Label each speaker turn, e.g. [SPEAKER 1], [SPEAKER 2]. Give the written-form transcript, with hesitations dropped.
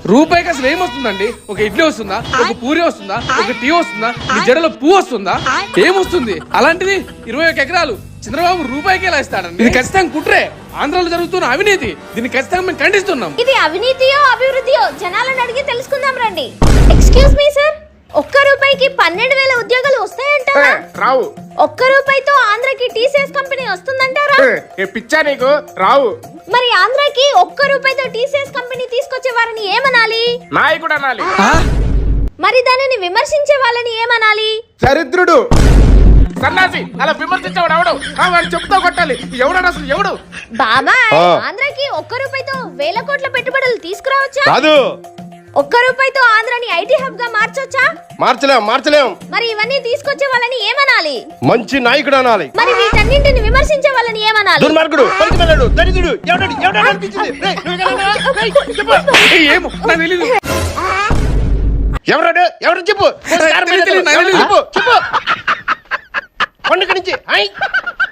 [SPEAKER 1] రూపాయికి అసలు ఏమొస్తుందండి? ఒక ఇడ్లీ వస్తుందా? ఒక పూరి వస్తుందా? ఒక టీ వస్తుందా? మీ జడలో పువ్వు వస్తుందా? ఏమొస్తుంది? అలాంటిది 21 ఎకరాలు చంద్రబాబు రూపాయికి ఎలా ఇస్తాడండి? ఇది ఖచ్చితంగా కుట్రే. ఆంధ్రాలో జరుగుతున్న అవినీతి. దీన్ని ఖచ్చితంగా మేము ఖండిస్తున్నాం.
[SPEAKER 2] ఇది అవినీతియో అభివృద్ధియో జనాలను అడిగి తెలుసుకుందాం రండి. ఎక్స్క్యూజ్ మీ సార్, ఒక్క రూపాయికి 12,000 ఉద్యోగాలు వస్తాయంటారా?
[SPEAKER 3] రావు.
[SPEAKER 2] ఒక్క రూపాయితో ఆంధ్రాకి టీసీఎస్ కంపెనీ వస్తుందంటారా?
[SPEAKER 3] పిచ్చా నీకు? రావు.
[SPEAKER 2] మరి ఆంధ్రాకి ఒక్క రూపాయితో టీసీఎస్ కంపెనీ తీసుకొచ్చే వారిని ఏమనాలి?
[SPEAKER 3] నాయకుడు అనాలి.
[SPEAKER 2] మరి దానిని విమర్శించే వాళ్ళని ఏమనాలి?
[SPEAKER 3] దరిద్రుడు, సన్నాసి. అలా విమర్శించేవాడు ఎవడు? వాడు చెప్తా కొట్టాలి. ఎవడు అసలు ఎవడు?
[SPEAKER 2] బాబాయ్, ఆంధ్రాకి ఒక్క రూపాయితో 1,000 కోట్ల పెట్టుబడులు తీసుకురావచ్చా?
[SPEAKER 4] కాదు.
[SPEAKER 2] ఒక్క రూపాయితో ఆంధ్రాని ఐటీ హబ్ గా మార్చొచ్చా?
[SPEAKER 4] మార్చలేం.
[SPEAKER 2] మరి ఇవన్నీ తీసుకొచ్చే వాళ్ళని ఏమనాలి?
[SPEAKER 4] మంచి నాయకుడు అనాలి.
[SPEAKER 2] మరి వీటన్నింటిని విమర్శించే వాళ్ళని ఏమనాలి?
[SPEAKER 4] దుర్మార్గుడు, పనికిమాలినోడు, దరిద్రుడు, ఎవడు అనిపించింది?
[SPEAKER 1] ఏమో నాకు తెలీదు.
[SPEAKER 4] ఎవరు చెప్పు.
[SPEAKER 1] తెలియదు.
[SPEAKER 4] చెప్పు.